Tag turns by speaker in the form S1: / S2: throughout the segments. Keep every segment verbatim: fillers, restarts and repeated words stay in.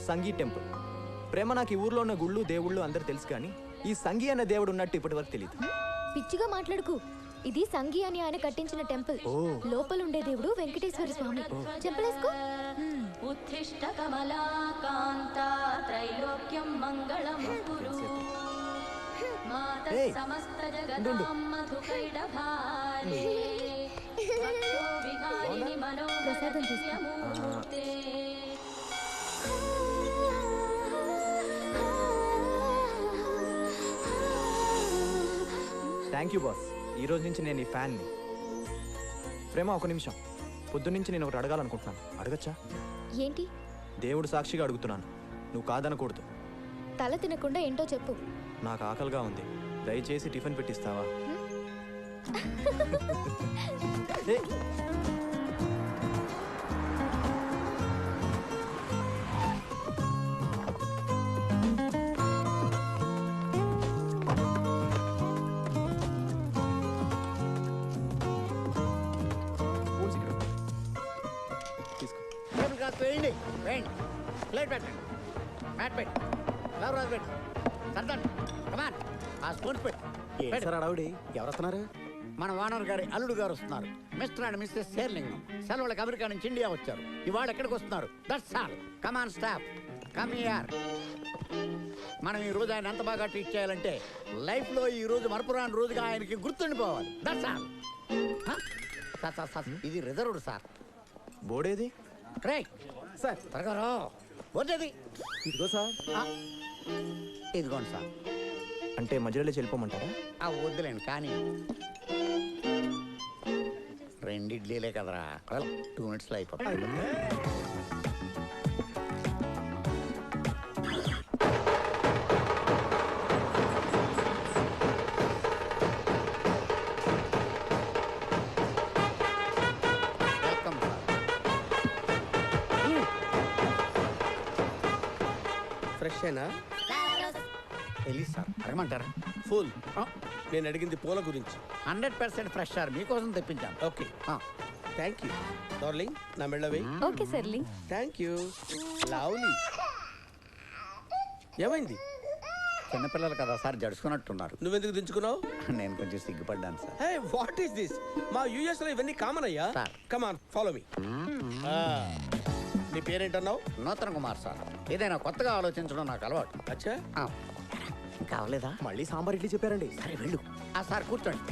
S1: సంగీ temple. ప్రేమ నాకు ఈ ఊర్లో ఉన్న గుళ్ళు దేవుళ్ళు అందరూ తెలుసు, కానీ ఈ సంగీ అనే దేవుడు ఉన్నట్టు ఇప్పటి వరకు తెలియదు.
S2: పిచ్చిగా మాట్లాడుకు. ఇది సంగీ అని ఆయన కట్టించిన టెంపుల్. లోపల ఉండే దేవుడు వెంకటేశ్వర స్వామి. చెంపలేసుకో. ఉత్తిష్ట కమలాకాంత త్రైలోక్యం మంగళం కురు మాత సమస్త జగదాం మధుకైడభారే భక్తో విహారిణి మనోరథ్యమూర్తే.
S1: Thank you boss. ఈ రోజు నుంచి నేను ఈ ఫ్యాన్ని. ప్రేమ ఒక నిమిషం, పొద్దున్నుంచి నేను ఒకటి అడగాలనుకుంటున్నాను. అడగచ్చా?
S2: ఏంటి?
S1: దేవుడు సాక్షిగా అడుగుతున్నాను, నువ్వు కాదనకూడదు.
S2: తల తినకుండా ఏంటో చెప్పు.
S1: నాకు ఆకలిగా ఉంది, దయచేసి టిఫిన్ పెట్టిస్తావా?
S3: వేయండి వేయండి ప్లేట్ పెట్టండి మ్యాట్ పెట్టి లవ్ రాజు పెట్టి సర్దండి కమాన్ ఆ స్పూన్స్ పెట్టి
S1: అడవుడి. ఎవరు వస్తున్నారు?
S3: మన వానర్ గారి అల్లుడు గారు వస్తున్నారు. మిస్టర్ అండ్ మిస్సెస్ శేర్లింగం సెలవులకు అమెరికా నుంచి ఇండియా వచ్చారు. ఇవాళ ఎక్కడికి వస్తున్నారు? That's all. Come on staff come here. మనం ఈ రోజు ఆయన ఎంత బాగా ట్రీట్ చేయాలంటే లైఫ్ లో ఈ రోజు మరపురాని రోజుగా ఆయనకి గుర్తుండిపోవాలి. That's all. Sir sir sir ఇది రిజర్వ్డ్ సార్.
S1: బోర్డేది?
S3: Right sir. త్వరగా రా. వద్దేది?
S1: ఇదిగో సార్.
S3: ఇదిగోండి సార్.
S1: అంటే మధ్యలో వెళ్ళిపోమంటారా?
S3: ఆ వద్దులేండి కానీ రెండు ఇడ్లీలే కదరా, టూ మినిట్స్లో అయిపోతుంది. Welcome sir.
S4: ఫ్రెష్ అయినా?
S3: వెళ్ళి సార్ అడగమంటారా?
S4: ఫుల్. నేను అడిగింది పూల గురించి.
S3: హండ్రెడ్ పర్సెంట్ ఫ్రెష్ సార్, మీకోసం తెప్పించాను.
S4: Okay thank you darling. నా మెళ్ళవే.
S2: ఓకే సర్లీ.
S4: Thank you lovely. ఏమైంది?
S3: చిన్నపిల్లలు కదా సార్, జడుచుకున్నట్టున్నారు.
S4: నువ్వెందుకు దించుకున్నావు?
S3: నేను కొంచెం సిగ్గుపడ్డాను sir.
S4: Hey what is this? మా యూఎస్ లో ఇవన్నీ కామన్ అయ్యా. Come on follow me. నీ పేరేంటన్నావు?
S3: నూతన్ కుమార్ సార్. ఏదైనా కొత్తగా ఆలోచించడం నాకు అలవాటు.
S4: అచ్చా
S3: కావలేదా?
S1: మళ్ళీ సాంబార్ ఇడ్లీ చెప్పారండి.
S3: సరే వెళ్ళు. ఆ సార్ కూర్చోండి.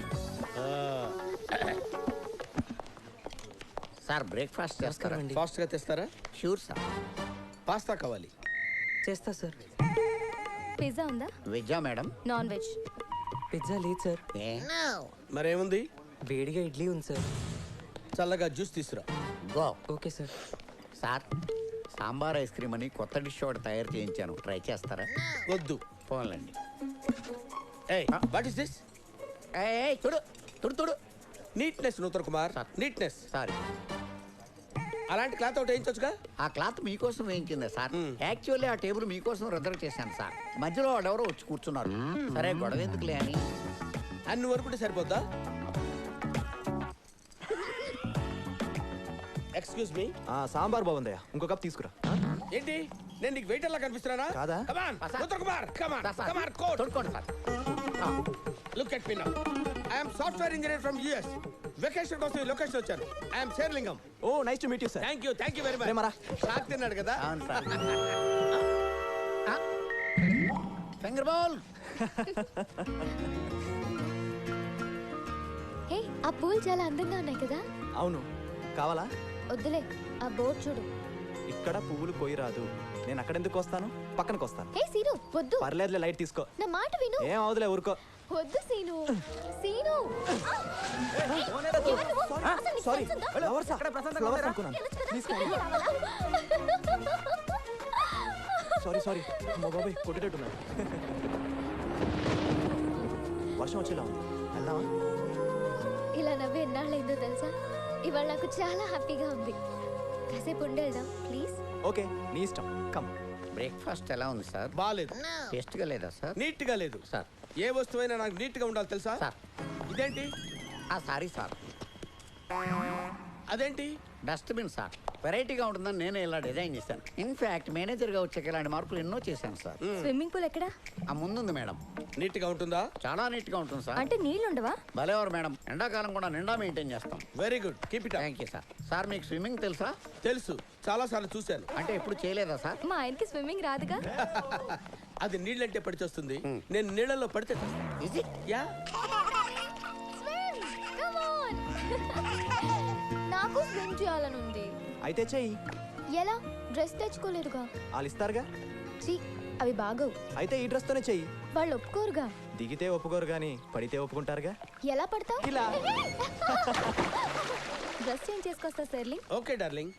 S3: సార్ బ్రేక్ఫాస్ట్ చేస్తారా?
S4: ఫాస్ట్ గా తెస్తారా?
S3: Sure sir.
S4: పాస్తా కావాలి.
S5: చేస్తా సార్.
S2: పిజ్జా ఉందా?
S3: వెజ్జా మేడం?
S2: Non veg.
S5: పిజ్జా లేదు సార్.
S4: మరేముంది?
S5: వేడిగా ఇడ్లీ ఉంది సార్.
S4: చల్లగా జ్యూస్ తీసురా.
S3: Go.
S5: Okay sir.
S3: Sir sambar ice cream అని కొత్త డిష్ ఒకటి తయారు చేయించాను, ట్రై చేస్తారా?
S4: వద్దు.
S3: పోన్లండి.
S4: What is this?
S3: చూడు తుడు తుడు.
S4: Neatness Nutan Kumar. Neatness.
S3: Sorry.
S4: అలాంటి క్లాత్ ఒకటి వేయించొచ్చుగా?
S3: ఆ క్లాత్ మీకోసం వేయించిందే సార్. యాక్చువల్లీ ఆ టేబుల్ మీకోసం రిజర్వ్ చేశాను సార్. మధ్యలో వాడెవరో వచ్చి కూర్చున్నారు. సరే గొడవ ఎందుకులే అని.
S4: అన్ని వరకుంటే సరిపోద్దా? Excuse me.
S1: సాంబార్ బాగుందయ్యా, ఇంకో కప్ తీసుకురా.
S4: ఏంటి నేను నీకు వెయిటర్ లా కనిపిస్తున్నానా?
S1: కాదా?
S4: Come on Nutan Kumar come on come on coat
S3: తోడుకోండి sir.
S4: Look at me now. I am software engineer from US. Vacation కోసం ఈ లొకేషన్ వచ్చాను. I am Sherlingam.
S1: Oh nice to meet you sir.
S4: Thank you thank you very much.
S1: ప్రేమరా
S4: shock తిన్నాడు కదా?
S3: అవును sir. Finger ball.
S2: హే ఆ పూలు చాలా అందంగా ఉన్నాయి కదా?
S1: అవును. కావాలా?
S2: వద్దులే, ఆ బోర్డు చూడు.
S1: ఇక్కడ పువ్వులు కోయి రాదు. నేను అక్కడెందుకు వస్తాను, పక్కనకు వస్తాను.
S2: హే సీను వద్దు.
S1: పర్లేదులే, లైట్ తీసుకో.
S2: నా మాట విను.
S1: ఏం అవదులే, ఊరుకో.
S2: వద్దు Seenu. Seenu
S1: sorry. Flowers flowers అనుకున్నాను. Sorry sorry. మా బాబాయ్ కొట్టేటట్టున్నాడు. వర్షం వచ్చేలా ఉంది, వెళ్దామా?
S2: ఇలా నవ్వి ఎన్నాళ్ళైందో తెలుసా? ఇవాళ నాకు చాలా హ్యాపీగా ఉంది. కాసేపు ఉండి వెళ్దాం ప్లీజ్.
S1: ఓకే నీ ఇష్టం. కమ్.
S3: బ్రేక్ఫాస్ట్ ఎలా ఉంది సార్?
S4: బాలేదు.
S3: టేస్ట్ గా లేదా సార్?
S4: నీట్ గా లేదు
S3: సార్.
S4: ఏ వస్తువైనా నాకు నీట్ గా ఉండాలి తెలుసా
S3: సార్?
S4: ఇదేంటి?
S3: ఆ సారీ సార్.
S4: అదేంటి?
S3: Dustbin sir. వెరైటీగా ఉంటుందని నేనే ఇలా డిజైన్ చేశాను. ఇన్ఫాక్ట్ మేనేజర్గా వచ్చాక ఇలాంటి మార్పులు ఎన్నో చేశాను సార్.
S2: స్విమ్మింగ్ పూల్ ఎక్కడా?
S3: ఆ ముందుంది మేడం.
S4: నీట్ గా ఉంటుందా?
S3: చాలా నీట్గా ఉంటుంది సార్.
S2: అంటే నీళ్ళు ఉండవా?
S3: భలేవారు మేడం, ఎండాకాలం కూడా నిండా మెయింటైన్ చేస్తాం.
S4: Very good, keep it up.
S3: Thank you sir. Sir మీకు స్విమ్మింగ్ తెలుసా?
S4: తెలుసు, చాలా సార్లు చూశాను.
S3: అంటే ఎప్పుడు చేయలేదా సార్?
S2: మా ఆయనకి స్విమ్మింగ్ రాదుగా.
S4: అది నీళ్ళంటే పడిచి వస్తుంది, నేను నీళ్ళలో పడితే
S3: Is it?
S4: యా.
S2: నాకు స్విమ్ చేయాలని ఉంది.
S1: అయితే చెయ్యి,
S2: ఎలా? డ్రెస్ తెచ్చుకోలేదుగా.
S1: వాళ్ళు ఇస్తారుగా.
S2: చీ, అవి బాగోవు.
S1: అయితే ఈ డ్రెస్తోనే చెయ్యి.
S2: వాళ్ళు ఒప్పుకోరుగా.
S1: దిగితే ఒప్పుకోరు కానీ పడితే ఒప్పుకుంటారుగా.
S2: ఎలా పడతావు?
S1: ఇలా.
S2: డ్రెస్ చేంజ్ చేసుకొస్తా సెర్లింగ్.
S4: Okay darling.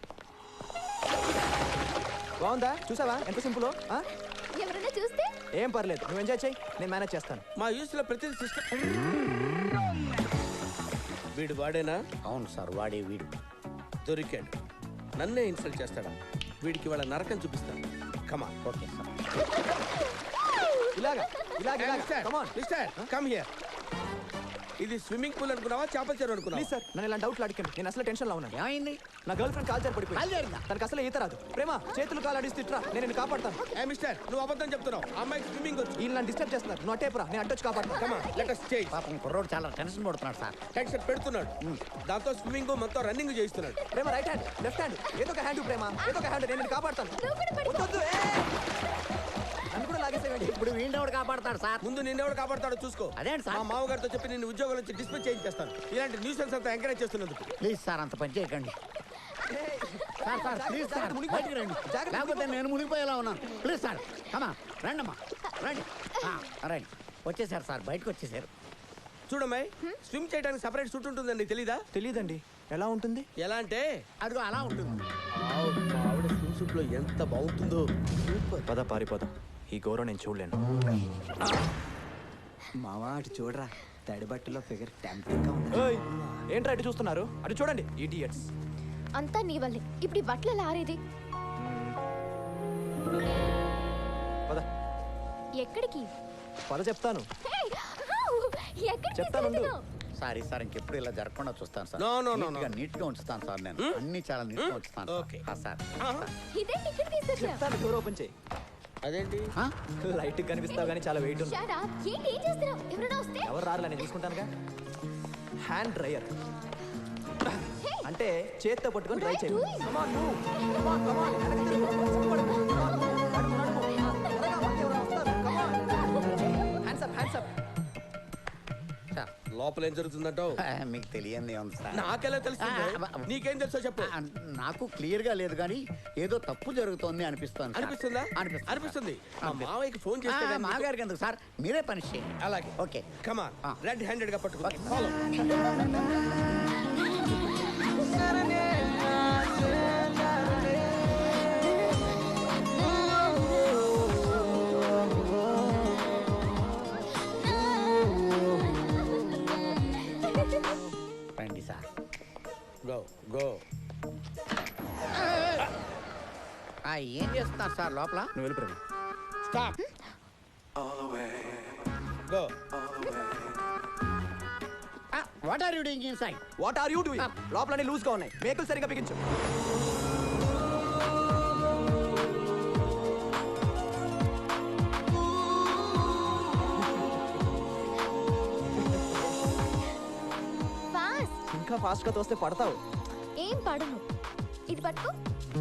S1: బాగుందా? చూసావా ఎంత సింపుల్?
S2: ఎవరైనా చూస్తే?
S1: ఏం పర్లేదు, నువ్వు ఎంజాయ్ చెయ్యి, నేను మేనేజ్ చేస్తాను.
S4: మా యూస్ లో ప్రతి సిస్టమ్ వీడు వాడేనా?
S3: అవును సార్, వాడే వీడు.
S4: దొరికాడు, నన్నే ఇన్సల్ట్ చేస్తాడా? వీడికి వాళ్ళ నరకం చూపిస్తాను. కమా.
S3: Okay sir.
S1: ఇలాగా ఇలాగా ఇలాగా. Come on.
S4: Mister come here. ఇది స్విమ్మింగ్ పూల్ అనుకున్నావా, చేపల చెరువు అనుకున్నావా?
S1: ప్లీజ్ సార్, నన్ను ఇలా డౌట్లు అడిగాను. నేను అసలు టెన్షన్లో ఉన్నాను.
S3: ఏమైంది?
S1: నా గర్ల్ ఫ్రెండ్ కాల్ జారి పడిపోయింది.
S3: కాలు జారిందా?
S1: తనకు అసలు ఈత రాదు. ప్రేమ, చేతులు కాలు అడిసి తిట్రా, నేను నిన్ను కాపాడతాను.
S4: ఏ మిస్టర్, నువ్వు అబద్ధం చెప్తున్నావు. ఆ అమ్మాయికి స్విమ్మింగ్ వచ్చు.
S1: వీళ్ళు నన్ను డిస్టర్బ్ చేస్తున్నారు. నువ్వు అట్టేపురా, నేను అడ్డొచ్చి కాపాడతాను.
S4: కమా, లెట్ us change.
S3: పాపం కుర్రోడు చాలా టెన్షన్ పడుతున్నాడు సార్.
S4: టెన్షన్ పెడుతున్నాడు, దాంతో స్విమ్మింగ్ మొత్తం రన్నింగ్ చేయిస్తున్నాడు.
S1: Prema right hand, left hand, ఏదో ఒక హ్యాండ్ ప్రేమ, ఏదో ఒక హ్యాండ్, నేను నిన్ను కాపాడతాను. వద్దు, వద్దు, ఏ! నన్ను కూడా లాగేసేయండి.
S3: ఇప్పుడు వీడినోడు కాపాడతాడు సార్.
S4: ముందు నిన్నెవడు కాపాడతాడో చూసుకో.
S3: అదేంటి సార్?
S4: మా మామగారితో చెప్పి నిన్ను ఉద్యోగం నుంచి డిస్మిస్ చేయించేస్తాను. ఇలాంటి న్యూసెన్స్ అంతా ఎంకరేజ్ చేస్తున్నందుకు.
S3: ప్లీజ్ సార్, అంత పని చేయకండి సార్. సార్ ప్లీజ్ సార్, బయటికి రండి. లేకపోతే నేను మునిగిపోయేలా ఉన్నాను. ప్లీజ్ సార్, కమా రండమ్మా, రండి. ఆ, రండి. వచ్చేసారు సార్, బయటకు వచ్చేసారు.
S4: చూడమ్మాయి, స్విమ్ చేయడానికి సపరేట్ సూట్ ఉంటుందని నీకు తెలీదా?
S1: తెలియదండి, ఎలా ఉంటుంది?
S4: ఎలా అంటే
S3: అదిగో అలా ఉంటుంది.
S4: ఆవ్, మా ఆవిడ స్విమ్ సూట్ లో ఎంత బాగుంటుందో.
S1: పద పారిపోదాం, ఈ గౌరవం నేను చూడలేను.
S6: మావా అటు చూడరా, తడి బట్టలో ఫిగర్ టెంప్టింగ్ గా ఉంది.
S1: ఏయ్, ఏంట్రా ఇటు చూస్తున్నారు? అటు చూడండి, ఇడియట్స్.
S2: అంతా నీ వల్లే. ఇప్పుడు ఈ బట్టలు ఎలా ఆరేది?
S1: పద
S2: ఎక్కడికి?
S1: పద చెప్తాను.
S2: హే! ఎక్కడికి
S1: చెప్తాను.
S2: తీసుకెళ్తున్నావ్?
S3: సారీ సార్, ఇంకెప్పుడు ఇలా జరగకుండా చూస్తాను సార్.
S4: No, no, no,
S3: నీట్గా
S4: no.
S3: నీట్ గా ఉంచుతాను సార్. నేను అన్ని చాలా నీట్ గా ఉంచుతాను సార్.
S4: Okay.
S3: ఆ, సార్
S2: ఇదేంటి ఇక్కడ తీసుకొచ్చా?
S1: చెప్తాను, డోర్ ఓపెన్ చేయి.
S4: అదేంటి?
S3: ఆ?
S1: లైట్ కనిపిస్తావు కానీ చాలా వెయిట్ ఉంది.
S2: Shut up. ఏంటి ఏం చేస్తున్నావు? ఎవరైనా వస్తే?
S1: ఎవరు రారులే, నేను చూసుకుంటానుగా. హ్యాండ్ డ్రైయర్ అంటే చేత్తో పట్టుకొని డ్రై చేయి.
S2: doing?
S1: Come on, move. Come on, come on. వెనక్కి తిరుగు. సిగ్గుపడకు. Come on, move. నడుము, నడుము. త్వరగా వాకి ఎవరో వస్తారు. Come on. Hands up, hands up.
S3: Sir,
S4: లోపల ఏం జరుగుతుందంటావు?
S3: ఆ, మీకు తెలియంది ఉంది సార్.
S4: నాకెలా తెలుస్తుంది?
S3: ఆ, ఆ,
S4: నీకేం తెలుసో చెప్పు.
S3: ఆ, నాకు క్లియర్ గా లేదు కానీ ఏదో తప్పు జరుగుతోంది అనిపిస్తోంది సార్.
S4: అనిపిస్తుందా?
S3: అనిపిస్తుంది
S4: అనిపిస్తుంది.
S3: సార్.
S4: మా మావయ్యకి ఫోన్
S3: ఆ,
S4: చేస్తే గానీ నీకు-
S3: మాగారికి ఎందుకు సార్, మీరే పనిష్ చేయండి.
S4: అలాగే.
S3: ఓకే.
S4: కమాన్,
S3: ఆ.
S4: రెడ్ హ్యాండెడ్ గా పట్టుకో.
S3: ఓకే.
S4: ఫాలో.
S3: రండి సార్.
S4: Go go.
S3: ఆ, ఏం చేస్తున్నారు సార్ లోపల?
S1: నువ్వు వెళ్ళి Prema.
S4: Stop. Go.
S3: What are you doing inside?
S1: What are you doing? లోపలనే లూజ్ గా ఉన్నాయి, మేకులు సరిగా బిగించు.
S2: ఫాస్ట్.
S1: ఇంకా ఫాస్ట్ గా తోస్తే పడతావు.
S2: ఏం పడను. ఇది పట్టుకో.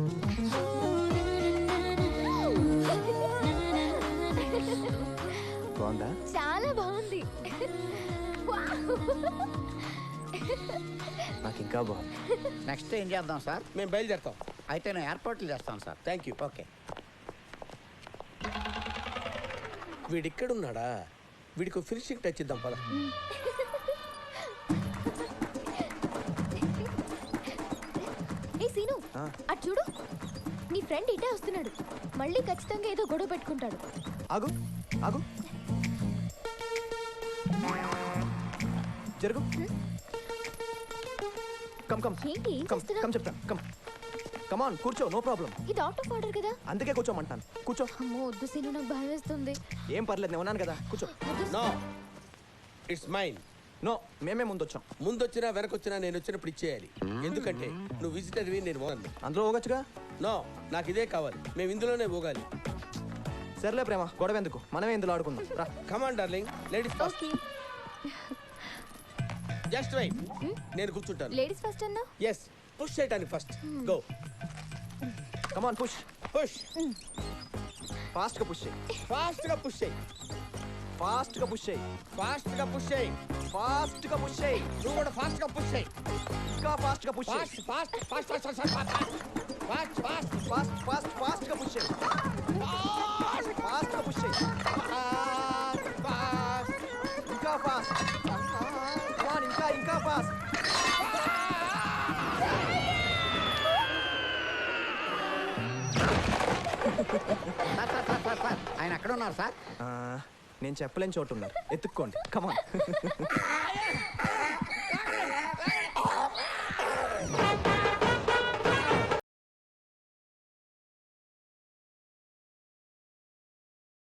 S1: బాగుందా?
S2: చాలా బాగుంది.
S1: నాకు ఇంకా బాగుంది.
S3: నెక్స్ట్ ఏం చేద్దాం సార్?
S4: మేము బయలుదేరుతాం.
S3: అయితే నేను ఏర్పాట్లు చేస్తాను సార్.
S4: Thank you.
S3: ఓకే.
S4: వీడిక్కడున్నాడా? వీడికి ఫినిషింగ్ టచ్ ఇద్దాం పద.
S2: ఏ సీను,
S1: ఆ.
S2: అటు చూడు. నీ ఫ్రెండ్ ఇటే వస్తున్నాడు. మళ్ళీ ఖచ్చితంగా ఏదో గొడవ పెట్టుకుంటాడు.
S1: ఆగు ఆగు, జరుగు. కమ్ కమ్
S2: ఏంటి ఏం
S1: కమ్
S2: చేస్తున్నావ్?
S1: కమ్ చెప్తాను. కమ్ కమాన్, కూర్చో, నో ప్రాబ్లం.
S2: ఇది అవుట్ ఆఫ్ ఆర్డర్ కదా.
S1: అందుకే కూర్చోమంటాను. కూర్చో.
S2: అమ్మో వద్దు సీను, నాకు భయం వేస్తుంది.
S1: ఏం పర్లేదు, నేను ఉన్నాను కదా, కూర్చో.
S2: వద్దు.
S4: No, it's mine.
S1: నో మేమే ముందు వచ్చాం.
S4: ముందు వచ్చినా వెనకొచ్చినా నేను వచ్చినప్పుడు ఇచ్చేయాలి. ఎందుకంటే నువ్వు విజిటర్వి, నేను ఓనర్ని.
S1: అందులో పోగొచ్చుగా.
S4: నో, నాకు ఇదే కావాలి. మేము ఇందులోనే పోగాలి.
S1: సర్లే ప్రేమ, గొడవ ఎందుకు, మనమే ఇందులో ఆడుకుందాం రా.
S4: Come on darling, ladies first.
S2: Okay
S4: just wait, నేను కూర్చుంటాను.
S2: లేడీస్ ఫస్ట్ అన్నా.
S4: ఎస్, పుష్ చేయడానికి first. Go
S1: come on push.
S4: Push.
S1: Fast గా పుష్ చేయి.
S4: ఫాస్ట్ గా పుష్ చేయి.
S1: ఫాస్ట్ గా పుష్ చేయి.
S4: ఫాస్ట్ గా పుష్ చేయి.
S1: ఫాస్ట్ గా పుష్ చేయి.
S4: నువ్వు కూడా ఫాస్ట్ గా పుష్ చేయి.
S1: ఇంకా ఫాస్ట్ గా పుష్ చేయి.
S4: Fast fast fast fast fast fast fast
S1: fast fast fast గా పుష్ చేయి. ఫాస్ట్ గా పుష్ చేయి.
S4: ఫాస్ట్.
S1: ఇంకా ఫాస్ట్. కమాన్, ఇంకా ఇంకా fast.
S3: Sir sir sir sir sir ఆయన ఎక్కడ ఉన్నారు సార్?
S1: నేను చెప్పలేని చోటు ఉన్నారు, ఎత్తుక్కోండి. కమాన్.